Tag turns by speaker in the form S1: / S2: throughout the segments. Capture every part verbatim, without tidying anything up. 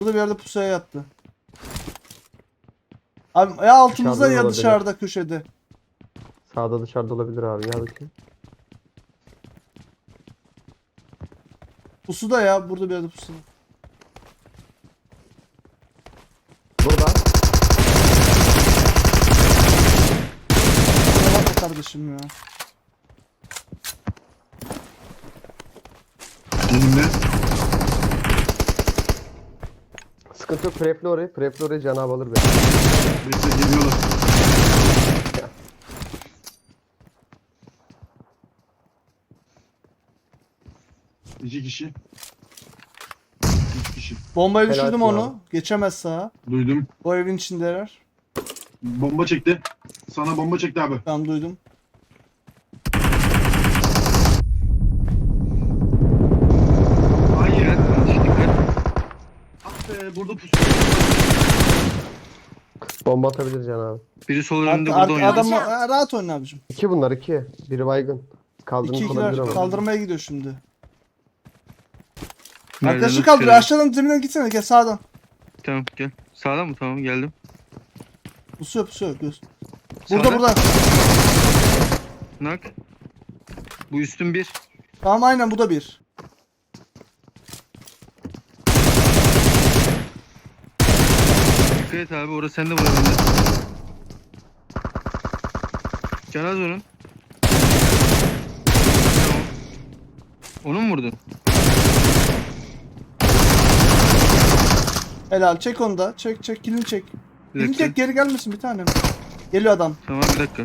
S1: Burada bir yerde pusuya yattı. Abi ya altımızda
S2: Dışarıda
S1: ya
S2: olabilir.
S1: dışarıda köşede.
S2: Sağda dışarıda olabilir abi. Ya bakayım.
S1: Pusuda ya burada bir yerde pusuda.
S2: Burada.
S1: Kusura bakma kardeşim ya.
S3: Elimde.
S2: Sıkıntı yok. Prepli orayı. Prepli orayı Cenab-ı alır beni.
S3: Bekle geliyorlar. İki kişi. Üç kişi.
S1: Bombayı
S2: Helal
S1: düşürdüm
S2: olsun
S1: onu. Geçemez sağa.
S3: Duydum.
S1: O evin içindeler.
S3: Bomba çekti. Sana bomba çekti abi.
S1: Tamam duydum.
S3: Hayır. Ah be burada pusu.
S2: Bomba atabilir Cenab-ı abi.
S4: Biri sol
S1: Ar
S4: önünde
S1: ar
S4: burada oynuyor.
S1: adam Aa, rahat oyna abicim.
S2: İki bunlar iki. Biri baygın.
S1: İki
S2: Kaldırmış
S1: ikiler
S2: olabilir ama.
S1: kaldırmaya gidiyor şimdi.
S4: Nereden
S1: Arkadaşı kaldır.
S4: tutuyorum?
S1: Aşağıdan zeminden gitsene gel sağdan.
S4: Tamam gel. Sağdan mı? Tamam geldim.
S1: Pusuyor pusuyor göz. Burada
S4: Sağda.
S1: burada.
S4: Nak. Bu üstün bir.
S1: Tamam aynen bu da bir.
S4: Dikkat et abi orası sende vurabilir. Canaz onun. Tamam. Onu mu vurdun?
S1: Helal çek onu da. Çek çek kilini çek.
S4: Bir
S1: Kilini
S4: dakika.
S1: çek geri gelmesin bir tane. Geliyor adam.
S4: Tamam bir dakika.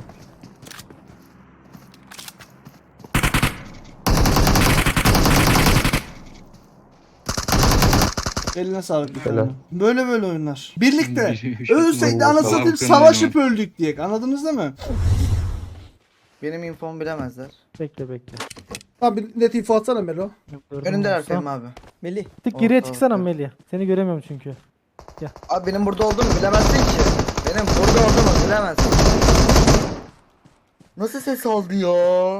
S1: Eline sağlık bir
S2: Helal.
S1: tane. Böyle böyle oyunlar. Birlikte.
S4: Bir- bir-
S1: Ölseydi
S4: bir-
S1: anasını
S4: bir-
S1: satayım
S4: bir-
S1: savaşıp öldük diye. Anladınız değil mi?
S5: Benim infomu bilemezler.
S6: Bekle bekle.
S7: Abi net info atsana Melo.
S5: Önümdeler Fehmi abi.
S6: Melih. Tık
S5: Oh,
S6: geriye
S5: oh,
S6: çıksana
S5: oh.
S6: Melih. Seni göremiyorum çünkü.
S5: Abi benim burada olduğumu bilemezsin ki. Benim burada olduğumu bilemezsin. Nasıl ses aldı ya?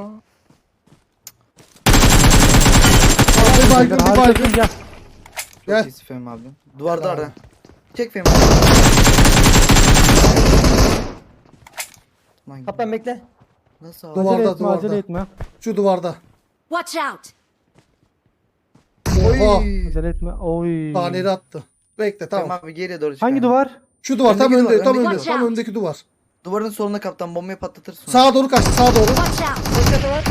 S7: Bir baygın bir
S6: Harika
S7: baygın.
S6: gel.
S5: Çok
S7: Gel.
S5: iyisin Fehmi abi. Duvarda ara. Çek Fehmi abi. Lan
S6: Kaptan bekle.
S5: nasıl aldı?
S7: Duvarda,
S6: Acele etme
S7: duvarda.
S6: acele etme.
S7: Şu duvarda.
S8: Watch out!
S7: Oha.
S5: Oy.
S6: Acele etme. Oy.
S7: Taneri attı. Bekle
S5: Fehmi
S7: tamam.
S5: abi geriye doğru çık.
S6: Hangi
S5: abi.
S6: duvar?
S7: Şu duvar tam
S5: Öndeki
S7: önde,
S5: duvar,
S7: tam
S5: öndeki
S7: önde,
S8: duvar.
S7: tam öndeki duvar.
S5: Duvarın soluna kaptan bombayı patlatırsın.
S7: Sağa doğru kaçtı, sağa doğru.
S8: Watch out!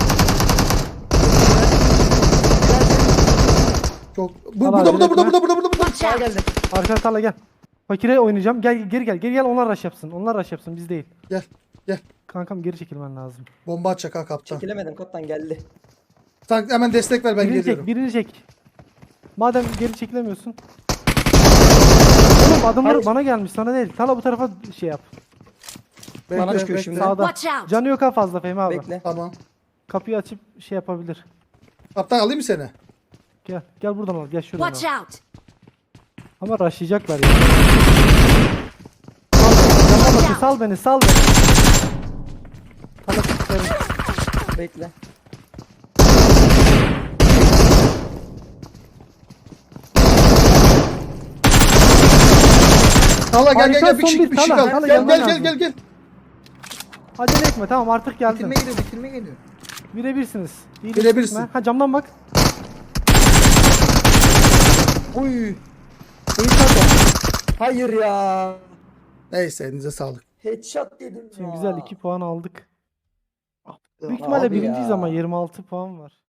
S7: Çok. Bu,
S6: Tamam,
S7: burada, burada,
S6: acele
S7: burada,
S6: etme.
S7: burada, burada, burada.
S8: Watch out!
S5: geldi.
S6: Arka tarla gel. Fakire oynayacağım. Gel geri gel. Geri gel onlar rush yapsın. Onlar rush yapsın biz değil.
S7: Gel, gel.
S6: Kankam geri çekilmen lazım.
S7: Bomba atacak ha kaptan.
S9: Çekilemedim kaptan geldi.
S7: Sen hemen destek ver ben
S6: birini
S7: geliyorum.
S6: çek birini çek. Madem geri çekilemiyorsun. Oğlum adamlar
S9: Hayır.
S6: bana gelmiş sana değil. Tala bu tarafa şey yap.
S7: Bekle,
S9: Bana çıkıyor
S7: bekle.
S9: şimdi.
S6: Sağda.
S8: Watch out!
S6: Canı yok ha fazla Fehmi abi.
S9: Bekle.
S7: Tamam.
S6: Kapıyı açıp şey yapabilir.
S7: Kaptan alayım mı seni?
S6: Gel. Gel buradan al. Gel şuradan
S8: Watch
S6: al.
S8: out!
S6: Ama rushlayacaklar ya. Sal beni, sal beni, sal beni. Sana tutarım.
S9: Bekle.
S7: Tala gel gel
S6: Harika,
S7: gel bir
S6: son
S7: kişi
S6: bir
S7: bir kişi
S6: Tala,
S7: kaldı.
S6: Tala
S7: Gel
S6: gelmen
S7: gel gel
S6: lazım.
S7: gel gel.
S6: Acele etme tamam artık geldin.
S5: Bitirme geliyor bitirme geliyor.
S6: Birebirsiniz. İyi
S7: Birebirsin.
S6: düşme. Ha camdan bak.
S9: Uy. İyi kaptan. Hayır ya.
S7: Neyse elinize sağlık.
S9: Headshot dedim
S6: Şimdi
S9: ya.
S6: güzel iki puan aldık. Büyük ihtimalle
S9: Abi
S6: birinciyiz
S9: ya.
S6: ama yirmi altı puan var.